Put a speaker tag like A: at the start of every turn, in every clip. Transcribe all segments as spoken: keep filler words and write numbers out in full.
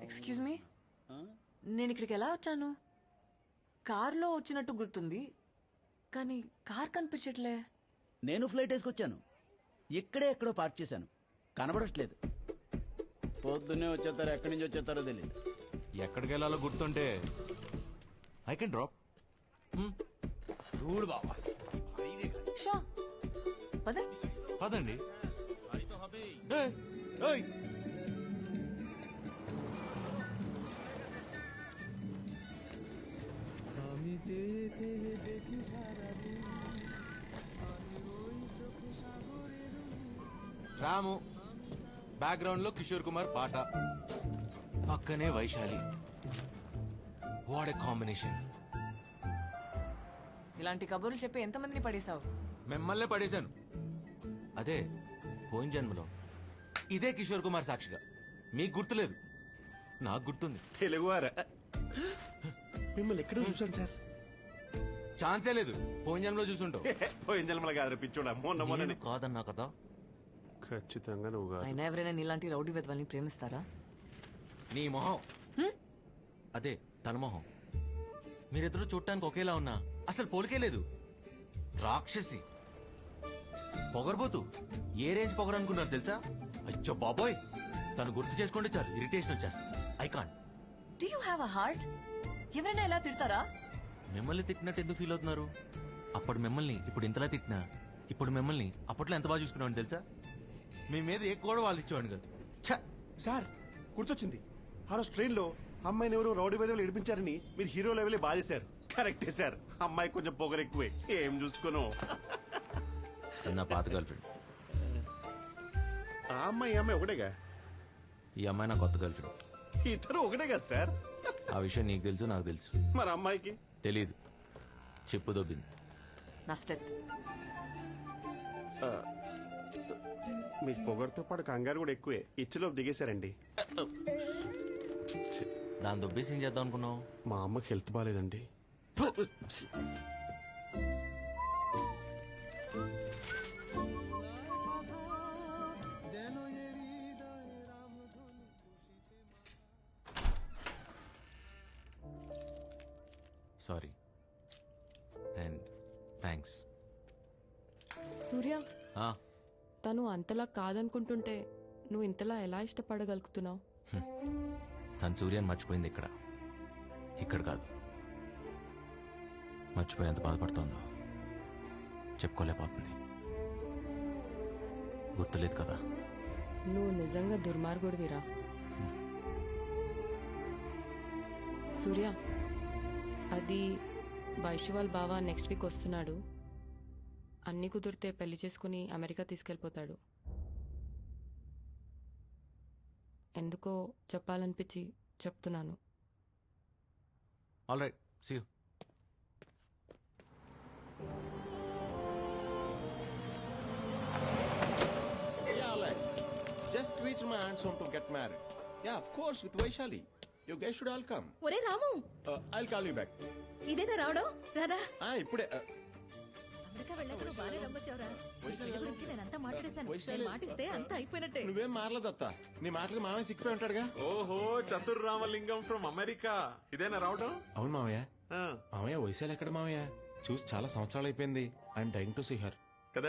A: Excuse me, నేను ఇక్కడికి ఎలా వచ్చాను? కార్లో వచ్చినట్టు గుర్తుంది, కానీ కార్ కనిపించట్లే.
B: నేను ఫ్లైట్ వేసుకొచ్చాను. ఇక్కడే ఎక్కడో పార్క్ చేశాను, కనబడట్లేదు. పొద్దున్నే వచ్చేస్తారు, ఎక్కడి నుంచి వచ్చేస్తారో తెలియదు.
C: ఎక్కడికి వెళ్ళాలో గుర్తుంటే ఐ కెన్ డ్రాప్.
B: చూడు బాబా,
A: షో పద.
C: పదండి. ఏయ్, ఏయ్. రాము బ్యాక్గ్రౌండ్ లో కిషోర్ కుమార్ పాట, పక్కనే వైశాలి. What a combination.
A: ఇలాంటి కబుర్లు చెప్పి ఎంతమందిని పడేశావు?
C: మిమ్మల్నే పడేశాను. అదే పోయిన జన్మలో ఇదే కిషోర్ కుమార్ సాక్షిగా. మీకు గుర్తులేదు, నాకు గుర్తుంది.
D: తెలుగువారా? మిమ్మల్ని ఎక్కడ చూసాను సార్?
C: ఛాన్సే లేదు, పోయిన జన్మలో చూసుంటావు.
D: పోయిన జన్మల కాదు పిచ్చోడా, మొన్న మొన్న
C: నేను కాదన్నా కదా.
D: ఖచ్చితంగా నువ్వు కాదు.
A: అయినా ఎవరైనా నీలాంటి రౌడీ వెధవల్ని ప్రేమిస్తారా?
C: నీ మొహం అదే తన మొహం. మీరిద్దరూ చూడటానికి ఒకేలా ఉన్నా అసలు పోలికే లేదు. రాక్షసి, పొగరబోతు. ఏ రేంజ్ పొగరు అనుకున్నారు తెలుసా? అచ్చో బాబోయ్, తను గుర్తు చేసుకుంటే చాలు ఇరిటేషన్ వచ్చేస్తుంది. I can't.
A: Do you have a heart? ఎవరైనా ఇలా తిడతారా?
C: మిమ్మల్ని తిట్టినట్టు ఎందుకు ఫీల్ అవుతున్నారు? అప్పుడు మిమ్మల్ని ఇప్పుడు ఇంతలా తిట్టినా, ఇప్పుడు మిమ్మల్ని అప్పట్లో ఎంత బాగా చూసుకున్నామని తెలుసా? మీ మీద ఏ కూడా వాళ్ళు ఇచ్చేవాడిని కాదు.
D: ఛ! సార్ గుర్తొచ్చింది, ఆ రోజు ట్రైన్ లో అమ్మాయిని ఎవరు రౌడీ వేదవులు ఏడిపించారని మీరు హీరో లెవెలే బాధేశారు. కరెక్టే సార్, అమ్మాయి కొంచెం పొగరు ఎక్కువే. ఏం చూసుకోను.
C: నా పాత గర్ల్ ఫ్రెండ్.
D: ఆ అమ్మాయి ఈ అమ్మాయి ఒకటేగా?
C: ఈ అమ్మాయి నా కొత్త గర్ల్ ఫ్రెండ్.
D: ఇద్దరు ఒకటే కదా సార్?
C: ఆ విషయం నీకు తెలుసు, నాకు తెలుసు.
D: మరి అమ్మాయికి
C: తెలీదు. చెప్పు దొబ్బింది.
A: నా స్టెప్.
D: మీ పొగరుతో పాటు కంగారు కూడా ఎక్కువే. ఇచ్చిలోపు దిగేశారండి.
C: దాని దొబ్బేసి ఏం చేద్దాం అనుకున్నావు?
D: మా అమ్మకి హెల్త్ బాగాలేదండి.
C: Sorry and thanks.
E: సూర్య, తను అంతలా కాదనుకుంటుంటే నువ్వు ఇంతలా ఎలా ఇష్టపడగలుగుతున్నావు?
C: తను సూర్యాన్ని మర్చిపోయింది ఇక్కడ, ఇక్కడ కాదు. మర్చిపోయేంత బాధపడుతోందో చెప్పుకోలేకపోతుంది. గుర్తులేదు కదా.
E: నువ్వు నిజంగా దుర్మార్గుడివిరా. సూర్య, అది వైశ్వాల్ బావ నెక్స్ట్ వీక్ వస్తున్నాడు. అన్ని కుదిరితే పెళ్లి చేసుకుని అమెరికా తీసుకెళ్లిపోతాడు. ఎందుకో చెప్పాలనిపించి చెప్తున్నాను.
C: All right, see you.
F: Yeah, Alex. Just reached my aunt's home to get married. Yeah, of course, with Vaishali. You guys should all come.
G: ఒరే రాము,
F: Uh, I'll call you back.
G: ఇదేనా రావడం? రాదా?
F: Ah, ఇప్పుడే. Uh,
G: America వెళ్ళాక నువ్వు బాగానే నమ్మొచ్చావురా. నీ పెళ్లి గురించి నేనంతా మాట్లాడేశాను.
F: వైశాలి-
G: నేను మాటిస్తే అంతా అయిపోయినట్టే.
F: నువ్వేం మారలేదత్త. నీ మాటలకు మామయ్య సిక్కిపోయి ఉంటాడుగా.
H: ఓహో, చతుర్ రామలింగం ఫ్రమ్ అమెరికా. ఇదేనా రావడం?
F: అవును మామయ్య.
H: ఆ,
F: మామయ్య వైశాలి ఎక్కడ మామయ్య? చూసి చాలా సంవత్సరాలు అయిపోయింది. I'm dying to see her.
H: కదా.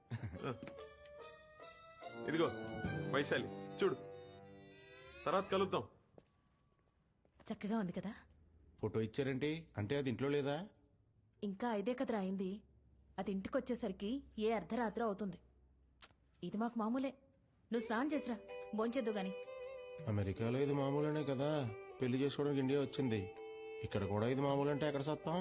H: ఇదిగో వైశాలి, చూడు, తర్వాత కలుద్దాం.
G: చక్కగా ఉంది కదా?
F: ఫోటో ఇచ్చారేంటి? అంటే అది ఇంట్లో లేదా?
G: ఇంకా ఐదే కదరా అయింది. అది ఇంటికి వచ్చేసరికి ఏ అర్ధరాత్రి అవుతుంది. ఇది మాకు మామూలే. నువ్వు స్నానం చేసిరా, భోంచేద్దు గాని.
F: అమెరికాలో ఇది మామూలేనే కదా. పెళ్లి చేసుకోవడానికి ఇండియా వచ్చింది. ఇక్కడ కూడా ఇది మామూలు అంటే ఎక్కడ సత్తాం?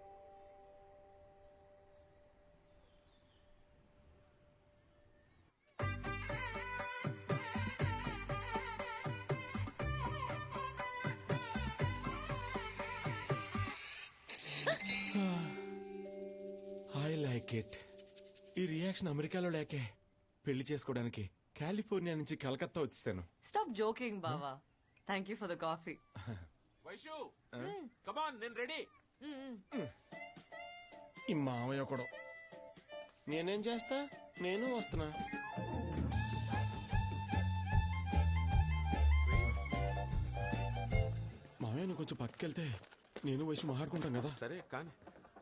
F: I like it. ఈ రియాక్షన్ అమెరికాలో లేకే పెళ్లి చేసుకోవడానికి కాలిఫోర్నియా నుంచి కలకత్తా వచ్చేసాను.
A: స్టాప్ జోకింగ్ బావా. Thank you for the coffee.
H: Vaishu, come on, నేను రెడీ.
F: ఈ మామయ్య కూడా. నేనేం చేస్తా, నేను వస్తున్నా. కొంచెం పక్కకెళ్తే నేను వైశ్య మాట్లాడుకుంటాం కదా.
H: సరే కానీ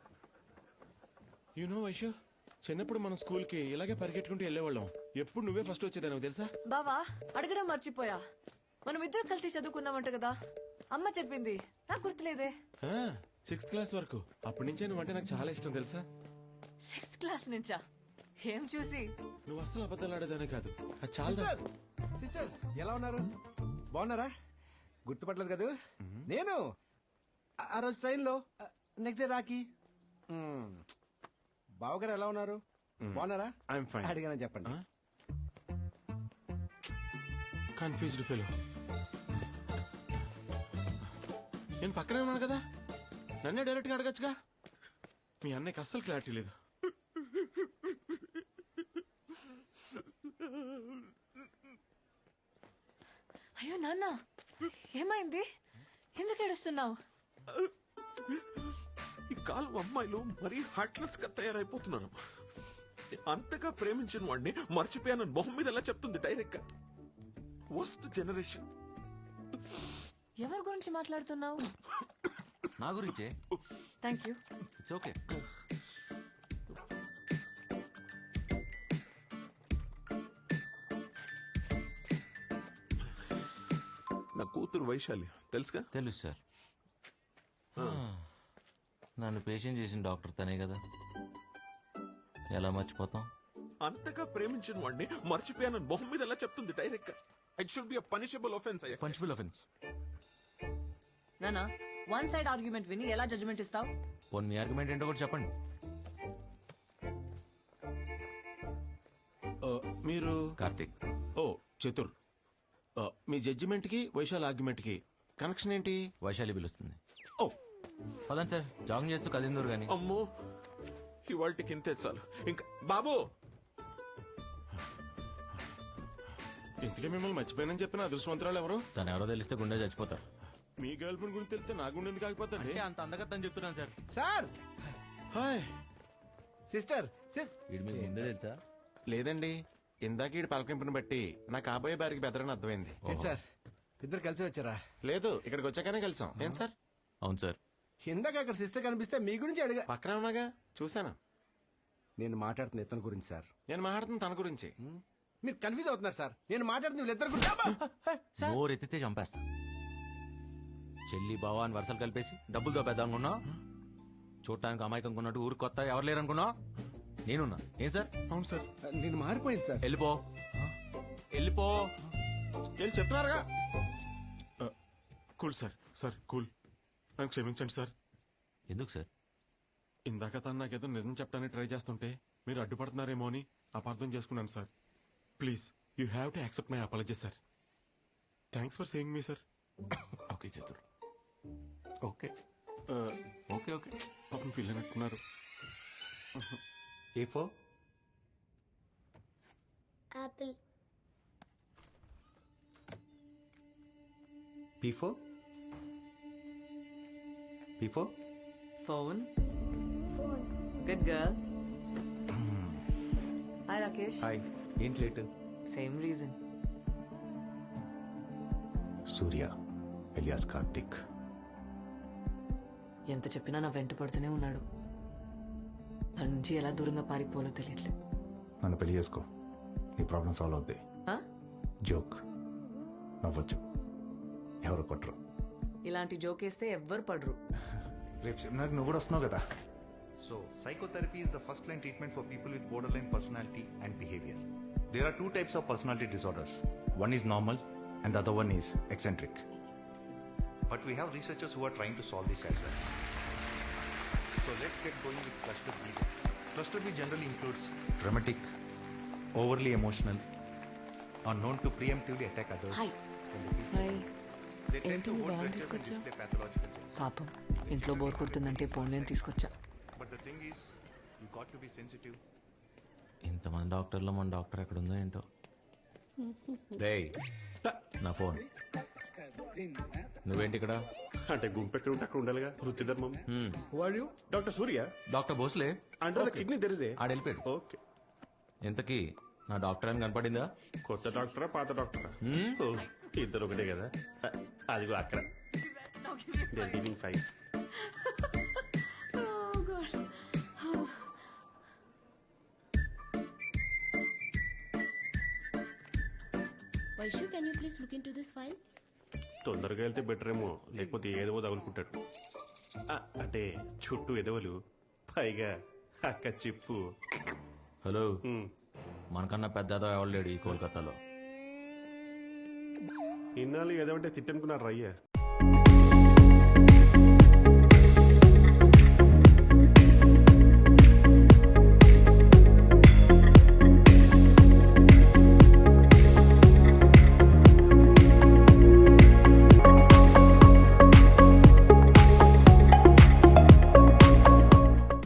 F: యు నో వైశ్య, చిన్నప్పుడు మన స్కూల్ కి ఇలాగే పరిగెట్టుకుంటూ వెళ్ళేవాళ్ళం. ఎప్పుడు నువ్వే ఫస్ట్ వచ్చేదాన్ని తెలుసా?
A: బావా అడగడం మర్చిపోయా, మనం ఇద్దరు కలిసి చదువుకున్నామంట కదా, అమ్మ చెప్పింది, నాకు గుర్తులేదే.
F: సిక్స్త్ క్లాస్ వరకు. అప్పటి నుంచే నువ్వంటే నాకు చాలా ఇష్టం తెలుసా.
A: సిక్స్త్ క్లాస్ నుంచా? ఏం చూసి?
F: నువ్వు అస్సలు అబద్ధాలు ఆడేదానే కాదు, అది చాలా.
I: సిస్టర్ ఎలా ఉన్నారు? బాగున్నారా? గుర్తుపట్టలేదు కదా నేను ఆ- ఆ రోజు ట్రైన్లో నెక్స్ట్ డే రాకి. మ్మ్. బావగారు ఎలా ఉన్నారు? బాగున్నారా?
F: I'm fine.
I: అడిగానని చెప్పండి.
F: Confused fellow. నేను పక్కనే ఉన్నాను కదా, నన్నే డైరెక్ట్గా అడగచ్చుగా. మీ అన్నయ్యకి అస్సలు క్లారిటీ లేదు.
A: అయ్యో నాన్న, ఏమైంది? ఎందుకు ఏడుస్తున్నావు?
H: ఈ కాలం అమ్మాయిలు మరీ హార్ట్లెస్ గా తయారైపోతున్నారు. అంతగా ప్రేమించిన వాడిని మర్చిపోయానని మొహం మీద ఎలా చెప్తుంది డైరెక్ట్ గా. Worst generation.
A: ఎవరి గురించి మాట్లాడుతున్నావు?
C: నా గురించే.
A: Thank you.
C: It's okay.
H: నా కూతురు వైశాలి తెలుసుగా?
C: తెలుసు సార్. నన్ను పేషెంట్ చేసిన డాక్టర్ తనే కదా, ఎలా మర్చిపోతాం?
H: అంతగా ప్రేమించిన వాడిని మర్చిపోయానని మొహం మీద ఎలా చెప్తుంది డైరెక్ట్ గా. It should be a punishable offence.
C: Punchable offence.
A: నానా, వన్ సైడ్ ఆర్గ్యుమెంట్ విని ఎలా జడ్జ్మెంట్ ఇస్తావు?
C: పోనీ మీ ఆర్గ్యుమెంట్ ఏంటో కూడా చెప్పండి.
F: ఆ, మీరు
C: కార్తీక్.
F: ఓ చతుర్. ఆ, మీ జడ్జిమెంట్ కి వైశాల్ ఆర్గ్యుమెంట్ కి కనెక్షన్ ఏంటి?
C: వైశాలి పిలుస్తుంది.
F: ఓ
C: పదండి సార్, జాగింగ్ చేస్తూ కదిందూరు గాని.
H: అమ్మో ఇవాళకి ఇంతే చాలు. ఇంకా బాబు,
F: ఇంతకీ మిమ్మల్ని మర్చిపోయానని చెప్పిన అదృష్టవంతరాలు ఎవరు?
C: తను ఎవరో తెలిస్తే గుండె చచ్చిపోతారు.
F: మీ గర్ల్ ఫ్రెండ్ గురించి తెలిస్తే నా గుండె ఎందుకు ఆగిపోతాండి?
C: అంటే అంత అందగత్తని చెప్తున్నాను sir.
I: Sir,
F: hi.
I: Sister sis-
C: వీడి మీకు ముందే తెలుసా?
F: లేదండి, ఇందాక ఈ పలకింపుని బట్టి నా కాబోయే బారికి బెదరని అర్థమైంది.
I: ఏంటి సార్ ఇద్దరు కలిసి వచ్చారా?
F: లేదు, ఇక్కడికి వచ్చాకనే కలిసాం. ఏం సార్?
C: అవును సార్.
I: ఇందాక అక్కడ సిస్టర్ కనిపిస్తే మీ గురించి అడిగా.
F: పక్కన ఉన్నాగా, చూసాను.
I: నేను మాట్లాడుతున్న ఇతని గురించి సార్.
F: నేను మాట్లాడుతున్న తన గురించి.
I: మీరు కన్ఫ్యూజ్ అవుతున్నారు సార్. నేను మాట్లాడుతున్న వీళ్ళిద్దరు గురించి. అబ్బా! సార్,
C: నోరు ఎత్తితే చంపేస్తా. చెల్లి బావా అని వరుసలు కలిపేసి డబ్బులతో పెద్ద అనుకున్నా, చూడటానికి అమాయకం కొన్నట్టు ఊరికి కొత్త ఎవరు లేరు అనుకున్నా, నేనున్నా. ఏం సార్?
F: అవును సార్.
I: నేను మారిపోయింది సార్.
C: వెళ్ళిపో, వెళ్ళిపో.
F: ఏం చెప్తున్నారుగా? Cool sir. సార్ కూల్, నన్ను క్షమించండి సార్.
C: ఎందుకు సార్?
F: ఇందాక తను నాకేదో నిజం చెప్పడానికి ట్రై చేస్తుంటే మీరు అడ్డుపడుతున్నారేమో అని అపార్థం చేసుకున్నాను sir. Please, you have to accept my apology sir. Thanks for saying me sir.
C: Okay Chatur, okay okay okay.
F: పాపం ఫీల్ అయినట్టున్నారు.
I: A four
J: Apple.
I: P four P four
A: phone.
J: Phone.
A: Good girl. Hi Rakesh.
I: Hi. ఏంటి late?
A: Same reason.
I: Surya alias Karthik.
A: ఎంత చెప్పినా నా వెంట పడుతూనే ఉన్నాడు. దాని నుంచి ఎలా దూరంగా పారిపోవాలో తెలియట్లేదు.
I: నన్ను పెళ్లి చేసుకో, నీ ప్రాబ్లం సాల్వ్ అవుద్ది.
A: ఆ?
I: జోక్, నవ్వచ్చు, ఎవరు కొట్టరు.
A: ఇలాంటి జోకేస్తే ఎవ్వరు పడరు.
I: రేపు సెమినార్కి నువ్వు కూడా వస్తున్నావు కదా.
K: So, psychotherapy is the first line treatment for people with borderline personality and behavior. There are two types of personality disorders. One is normal and the other one is eccentric. But we have researchers who are trying to solve this as well. So let's get going with cluster B. Cluster B generally includes dramatic, overly emotional, are known to preemptively attack others.
A: Hi.
E: Hi.
K: They tend
E: ఏంటి
K: to
E: నువ్వు
K: hold
E: బాగా
K: grudges and
E: తీసుకొచ్చా?
K: display pathological traits.
A: పాపం ఇంట్లో bore కొడుతుందంటే ఫోన్లేని తీసుకొచ్చా.
K: But the thing is, you got to be sensitive.
C: ఇంతమంది డాక్టర్లో మన doctor ఎక్కడ ఉందో ఏంటో. రేయ్, నా ఫోన్. నువ్వేంటి ఇక్కడ?
D: అంటే గుంపు ఎక్కడ ఉంటే అక్కడ ఉండాలిగా, వృత్తి ధర్మం.
C: హ్మ్.
D: వాడు డాక్టర్ సూర్య
C: డాక్టర్ భోస్లే.
D: అంటే కిడ్నీ తెరిసే.
C: ఆడ వెళ్ళిపోయాడు.
D: ఓకే.
C: ఇంతకీ నా డాక్టర్ అని కనపడిందా?
D: కొత్త డాక్టరా పాత డాక్టరా?
C: హ్మ్?
D: ఓ, ఇద్దరు ఒకటే కదా. అ- అదిగో అక్కడ. They're giving five.
A: Oh God.
J: Vaishu, can you please look into this file?
D: తొందరగా వెళ్తే బెటర్ ఏమో, లేకపోతే ఏదో తగులుకుంటాడు. ఆ, అంటే చుట్టూ ఎదవలు, పైగా అక్క చిప్పు.
C: హలో
D: ఉమ్,
C: మనకన్నా పెద్ద ఎవరు లేడు ఈ కోల్కతాలో.
D: ఇన్నాళ్ళు ఏదో అంటే తిట్టనుకున్నారు రయ్య.